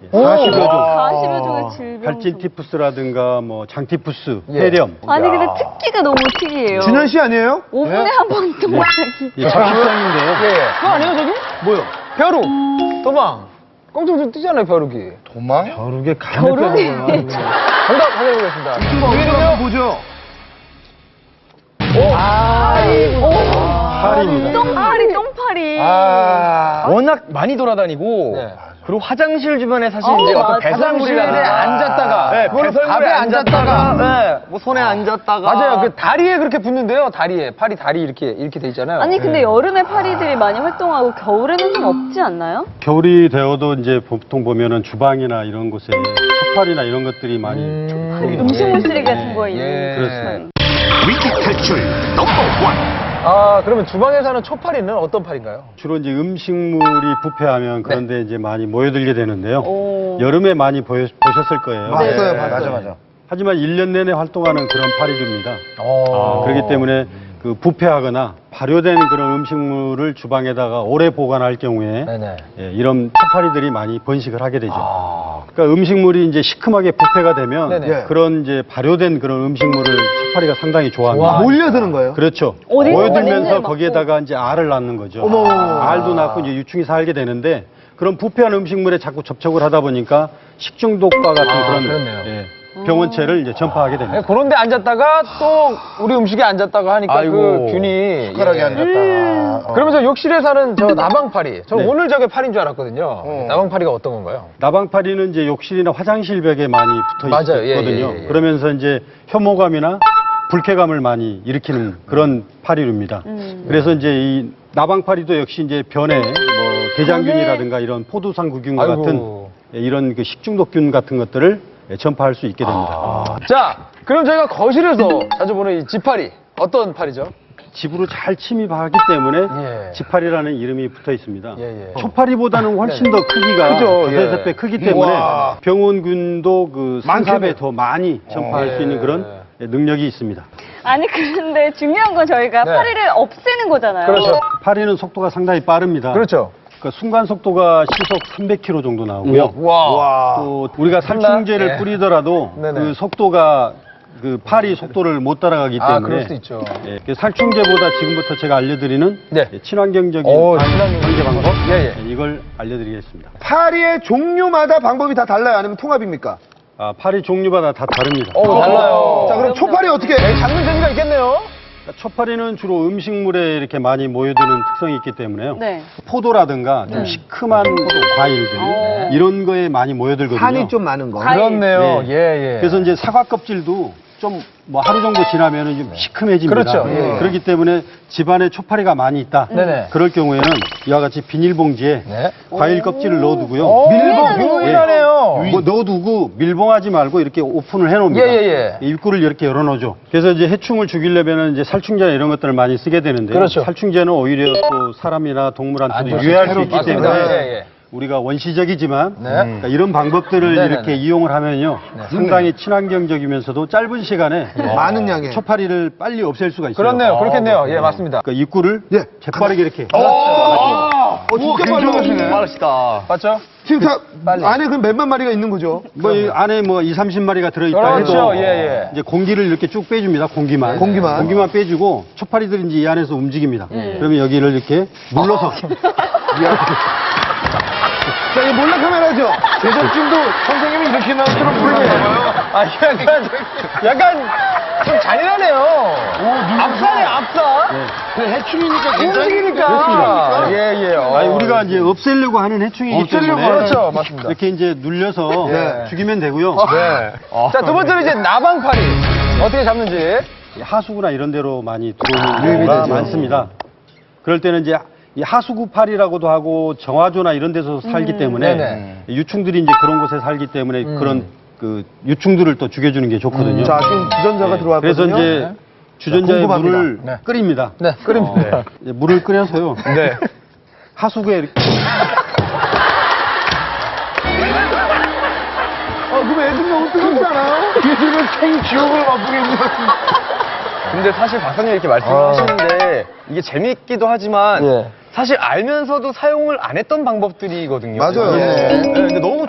40여 종. 40여 종의 질병. 발진티푸스라든가 뭐 장티푸스, 폐렴. 아니 근데 특기가 너무 특이해요. 준현 씨 아니에요? 5분에 한 번 도망가기. 예, 잡식성인데요. 그거 아니에요, 저기? 뭐요? 벼룩, 도망. 꽁충충 뛰잖아요, 벼룩이. 도망? 벼룩에 간을 빼는 거야. 정답 확인해보겠습니다. 이거 뭐죠? 팔입니다. 똥파리. 워낙 많이 돌아다니고 네. 그리고 화장실 주변에 사실 이제 맞아. 어떤 배설물이나 화장실에 앉았다가, 네, 그거는 배설물에 밥에 앉았다가. 네, 뭐 손에 앉았다가 맞아요. 그 다리에 그렇게 붙는데요, 다리에. 팔이 다리 이렇게 돼 있잖아요. 아니 근데 여름에 파리들이 많이 활동하고 겨울에는 좀 없지 않나요? 겨울이 되어도 이제 보통 보면은 주방이나 이런 곳에 촛팔이나 이런 것들이 많이 음식물 쓰레기 같은 거 있는. 예. 그렇습니다. 위기 탈출 넘버 1. 그러면 주방에 사는 초파리는 어떤 파리인가요? 주로 이제 음식물이 부패하면 그런데 이제 많이 모여들게 되는데요. 오. 여름에 많이 보셨을 거예요. 봤어요, 네. 봤어요. 하지만 1년 내내 활동하는 그런 파리류입니다. 그렇기 때문에 그 부패하거나 발효된 그런 음식물을 주방에다가 오래 보관할 경우에 네네. 예, 이런 팥파리들이 많이 번식을 하게 되죠. 그러니까 음식물이 이제 시큼하게 부패가 되면 네네. 그런 이제 발효된 그런 음식물을 팥파리가 상당히 좋아합니다. 몰려드는 거예요? 그렇죠. 어디서 냄새를 모여들면서 맡고. 거기에다가 이제 알을 낳는 거죠. 어머. 알도 낳고 이제 유충이 살게 되는데 그런 부패한 음식물에 자꾸 접촉을 하다 보니까 식중독과 같은 그런 그렇네요. 예, 병원체를 이제 전파하게 됩니다. 네, 그런 데 앉았다가 또 우리 음식에 앉았다가 하니까 아이고. 그 균이. 숟가락에 예. 앉았다. 그러면서 욕실에 사는 저 나방파리. 저 네. 오늘 저게 파리인 줄 알았거든요. 나방파리가 어떤 건가요? 나방파리는 이제 욕실이나 화장실 벽에 많이 붙어 맞아요. 예, 있거든요. 예, 예. 그러면서 이제 혐오감이나 불쾌감을 많이 일으키는 그런 파리류입니다. 그래서 이제 이 나방파리도 역시 이제 변에 뭐 대장균이라든가 이런 포도상구균과 아이고. 같은 예, 이런 그 식중독균 같은 것들을 예, 전파할 수 있게 됩니다. 자, 그럼 저희가 거실에서 자주 보는 이 지파리. 어떤 파리죠? 집으로 잘 침입하기 때문에 예. 지파리라는 이름이 붙어 있습니다. 예, 예. 초파리보다는 훨씬 더 크기가 크죠, 예. 두세 배 크기 때문에 우와. 병원균도 그 많겠네. 3, 4배 더 많이 전파할 예. 수 있는 그런 능력이 있습니다. 아니 그런데 중요한 건 저희가 네. 파리를 없애는 거잖아요. 그렇죠. 파리는 속도가 상당히 빠릅니다. 그렇죠. 그러니까 순간 속도가 시속 300km 정도 나오고요. 와. 또 우리가 살충제를 예. 뿌리더라도 네네. 그 속도가 그 파리 속도를 못 따라가기 때문에 그럴 수도 있죠. 예, 그 살충제보다 지금부터 제가 알려드리는 네. 예, 친환경적인 친환경 관계 방법 예, 예. 이걸 알려드리겠습니다. 파리의 종류마다 방법이 다 달라요? 아니면 통합입니까? 파리 종류마다 다 다릅니다. 달라요. 자, 그럼 초파리 어떻게? 잡는 재미가 있겠네요. 그러니까 초파리는 주로 음식물에 이렇게 많이 모여드는 특성이 있기 때문에요. 네. 포도라든가 좀 시큼한 과일들 이런 거에 많이 모여들거든요. 산이 좀 많은 거. 과일. 그렇네요. 네. 예, 예. 그래서 이제 사과 껍질도 좀 뭐 하루 정도 지나면은 좀 시큼해집니다. 그렇죠. 예. 그렇기 때문에 집안에 초파리가 많이 있다. 네네. 그럴 경우에는 이와 같이 비닐봉지에 네. 과일 껍질을 넣어두고요. 밀봉 유일하네요. 뭐 넣어두고 밀봉하지 말고 이렇게 오픈을 해놓습니다. 예. 입구를 이렇게 열어놓죠. 그래서 이제 해충을 죽이려면 이제 살충제나 이런 것들을 많이 쓰게 되는데 그렇죠. 살충제는 오히려 또 사람이나 동물한테도 안 유해할 수 좋습니다. 있기 맞습니다. 때문에 예. 우리가 원시적이지만 네. 그러니까 이런 방법들을 네네네. 이렇게 이용을 하면요 상당히 친환경적이면서도 짧은 시간에 많은 양의. 초파리를 빨리 없앨 수가 있어요. 그렇네요. 그렇겠네요. 예, 맞습니다. 그러니까 입구를 예. 재빠르게 이렇게 진짜 빨리 하시네. 빠르시다. 맞죠? 지금 다 빨리. 안에 그럼 몇만 마리가 있는 거죠? 뭐 이 안에 뭐 2, 30마리가 들어있다 그렇죠. 해도 예. 이제 공기를 이렇게 쭉 빼줍니다. 공기만. 공기만. 빼주고 초파리들이 이제 이 안에서 움직입니다. 그러면 여기를 이렇게 눌러서 자, 이거 몰래카메라죠? 제작진도 선생님이 이렇게 나처럼 부르네요. 약간 좀 잔인하네요. 압사네, 압사. 해충이니까 움직이니까. 예. 아니, 우리가 이제 없애려고 하는 해충이기 때문에 그렇죠. 맞습니다. 이렇게 이제 눌려서 네. 죽이면 되고요. 자, 두 번째는 이제 나방파리. 어떻게 잡는지. 하수구나 이런 데로 많이 유입이 들어오는 경우가 되죠. 많습니다. 그럴 때는 이제 이 하수구파리라고도 하고 정화조나 이런 데서 살기 때문에 네네. 유충들이 이제 그런 곳에 살기 때문에 그런 그 유충들을 또 죽여주는 게 좋거든요. 자, 지금 주전자가 들어왔거든요. 그래서 이제 주전자에 궁금합니다. 물을 네. 끓입니다. 네, 끓입니다. 이제 물을 끓여서요. 네. 하수구에 이렇게 그럼 애들 너무 뜨겁지 않아요? 얘들은 생지옥을 맛보게 해주셨습 근데 사실 박사님 이렇게 말씀하시는데 이게 재밌기도 하지만 예. 사실 알면서도 사용을 안 했던 방법들이거든요. 맞아요. 네, 근데 너무